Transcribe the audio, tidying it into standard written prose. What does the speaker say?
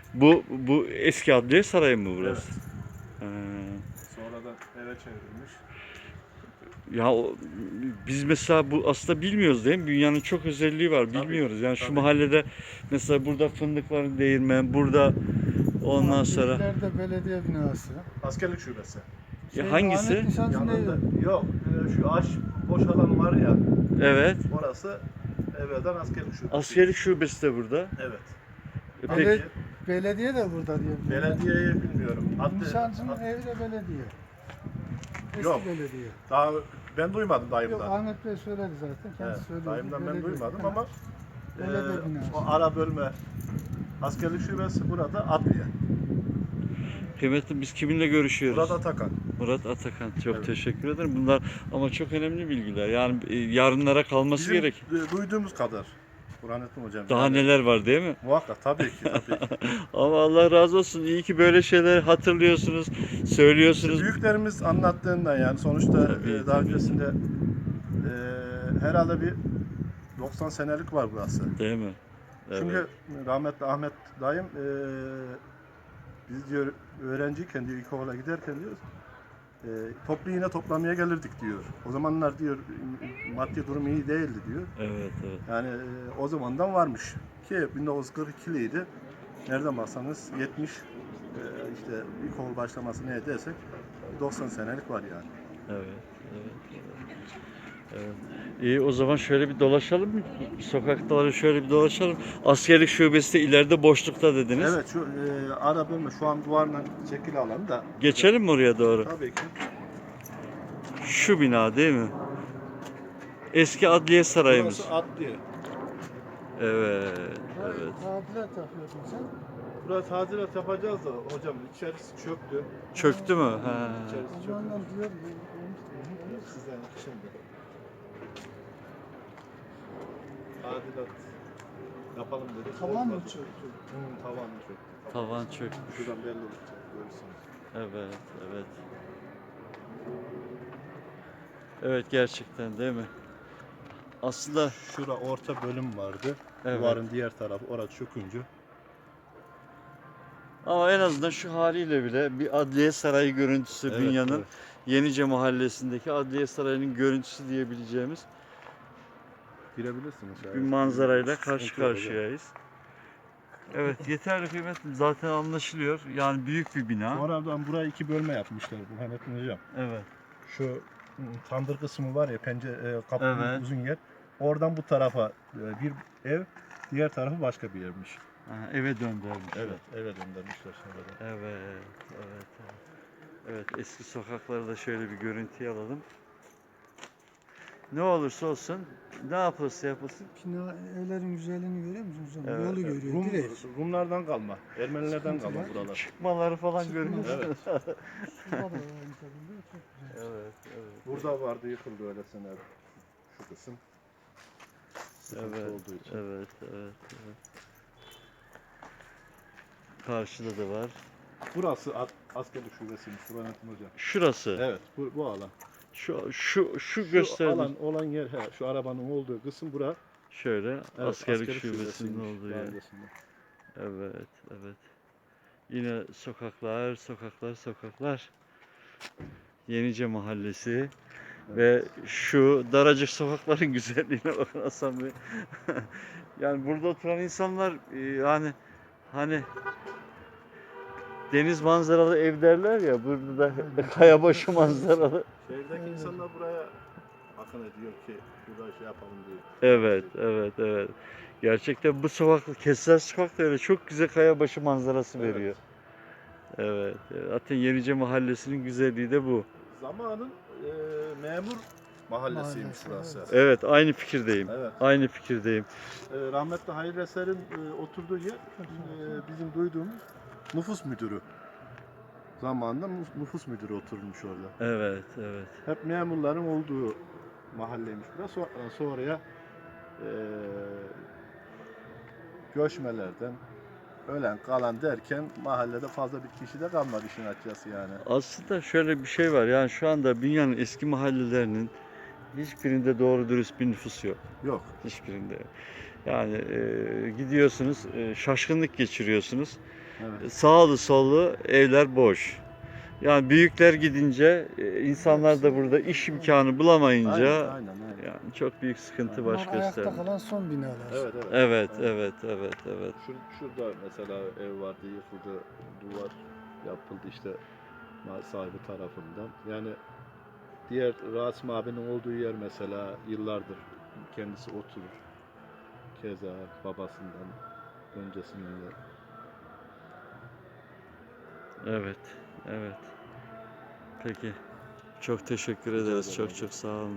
Bu eski Adliye Sarayı mı burası? Evet. He. Sonradan eve çevrilmiş. Ya biz mesela bu aslında bilmiyoruz değil mi? Dünyanın çok özelliği var. Tabii Bilmiyoruz. ki, Yani şu tabii ki. mahallede mesela burada fındıkların değirmen, burada ondan sonra İleride belediye binası. Askerlik şubesi. ya hangisi? Ahmet Nişancı'nın Yanında evi. yok. Şu boş alan var ya. Evet. Orası evvelden askerlik şubesi. Askerlik şubesi de burada. Evet. E Bele- peki belediye de burada diye biliyorum. Belediyeyi bilmiyorum. Nişancı'nın evi de belediye. Eski Yok. belediye. Daha ben duymadım Yok dayımdan. Ahmet Bey söyledi zaten. Kendisi Evet, söyledi. dayımdan ben Belediye. duymadım ama Belediye binası. o ara bölme askerlik şubesi burada Adliye. kıymetli biz kiminle görüşüyoruz? Burada Atakan. Murat Atakan. Çok Evet. teşekkür ederim. Bunlar ama çok önemli bilgiler. Yani yarınlara kalması Bizim gerek. duyduğumuz kadar. Burhanettin hocam. Daha yani neler var değil mi? Muhakkak tabii ki tabii ki. Ama Allah razı olsun. İyi ki böyle şeyler hatırlıyorsunuz, söylüyorsunuz. Büyüklerimiz anlattığından yani sonuçta Tabii, daha tabii. öncesinde herhalde bir 90 senelik var burası. Değil mi? Evet. Çünkü rahmetli Ahmet dayım biz diyor öğrenciyken diyor ilkokula giderken diyor toplu iğne toplamaya gelirdik diyor. O zamanlar diyor maddi durum iyi değildi diyor. Evet, evet. Yani o zamandan varmış ki 1942'liydi. Nereden baksanız 70 işte ilkokul başlaması ne desek 90 senelik var yani. Evet, evet, evet. İyi o zaman şöyle bir dolaşalım mı? Sokakları şöyle bir dolaşalım. Askerlik şubesi de ileride boşlukta dediniz. Evet şu ara bölme şu an duvarla çekili alan da. Geçelim mi oraya doğru? Tabii ki. Şu bina değil mi? Eski Adliye Sarayımız. Burası Adliye. Evet, evet. Tadilat yapıyordun sen. Burası tadilat yapacağız da hocam içerisi çöktü. Çöktü mü? Ha. İçerisi O çöktü. zamandan diyor. Sizden şimdi. Tadilat yapalım dedik. Tavan mı Olmadı. çöktü? Tavan çöktü. Tavan çöktü. Şuradan belli olacak görürsünüz. Evet, evet. Evet gerçekten değil mi? Aslında Şura orta bölüm vardı. Evet. Duvarın diğer tarafı orası çökünce. ama en azından şu haliyle bile bir Adliye Sarayı görüntüsü Evet, Bünya'nın evet. Yenice Mahallesi'ndeki Adliye Sarayı'nın görüntüsü diyebileceğimiz Girebilirsiniz. bir manzarayla karşı Sıkıntı yok hocam. karşıyayız. Evet yeterli kıymetli zaten anlaşılıyor. Yani büyük bir bina. Sonradan buraya iki bölme yapmışlar Burhanettin hocam. Evet. Şu tandır kısmı var ya pencere kapının Evet. uzun yer. Oradan bu tarafa bir ev, diğer tarafı başka bir yermiş. Ha, eve döndürmüş. Evet, eve döndürmüşler sonradan. Evet, evet, evet. Evet, eski sokakları da şöyle bir görüntüye alalım. Ne olursa olsun, ne yapılırsa yapılsın. Bina evlerin güzelliğini görüyor musunuz? hocam? Evet, Yolu evet. görüyor direkt. Rumlardan kalma, Ermenilerden Sıkıntı kalma var. buralar. Çıkmaları falan Çıkma. görünüyor. Evet. Şurada da aynı şekilde çok güzel. Evet, evet. Burada vardı yıkıldı öyle sene şu kısım. Sıkıntı Evet, olduğu için. evet, evet, evet. Karşıda da var. Burası askerlik şubesiymiş Burhanettin hocam. Şurası. Evet, bu alan. Şu gösterdiği. alan olan yer, şu arabanın olduğu kısım bura. Şöyle Evet, askerlik askerlik şubesinin şubesiymiş olduğu yer. mahallesinde. Evet, evet. Yine sokaklar, sokaklar, sokaklar. Yenice Mahallesi. Ve şu daracık sokakların güzelliğine bakın Hasan Bey. Yani burada oturan insanlar yani hani deniz manzaralı ev derler ya burada da kayabaşı manzaralı. Şehirdeki insanlar buraya akın ediyor ki burada şey yapalım diye. Evet, evet, evet. Gerçekten bu sokak, Kessel Sokak da öyle çok güzel kayabaşı manzarası Evet. veriyor. Evet, zaten Yenice Mahallesi'nin güzelliği de bu. Zamanın memur mahallesiymiş Mahallesi, burası. evet. Evet, aynı fikirdeyim. Evet. Aynı fikirdeyim. Rahmetli Hayri Eser'in oturduğu yer bizim duyduğumuz nüfus müdürü. Zamanında nüfus müdürü oturmuş orada. Evet, evet. Hep memurların olduğu mahalleymiş burası. Sonraya göçmelerden ölen kalan derken mahallede fazla bir kişi de kalmadı işin açıkçası yani. Aslında şöyle bir şey var. Yani şu anda dünyanın eski mahallelerinin hiçbirinde doğru dürüst bir nüfus yok. Yok. Hiçbirinde. Yani gidiyorsunuz, şaşkınlık geçiriyorsunuz. Evet. Sağlı sollu evler boş. Yani büyükler gidince insanlar da burada iş imkanı bulamayınca Aynen. yani çok büyük sıkıntı Bunlar baş ayakta gösterdi. kalan son binalar. Evet. Evet, Aynen. evet. Şurada mesela ev vardı, yıkıldı, duvar yapıldı işte sahibi tarafından. Yani diğer Rasim abinin olduğu yer mesela yıllardır kendisi oturur. Keza babasından öncesinde. Evet. Peki. Çok teşekkür Rica ederiz. ederim Çok hocam. sağ olun.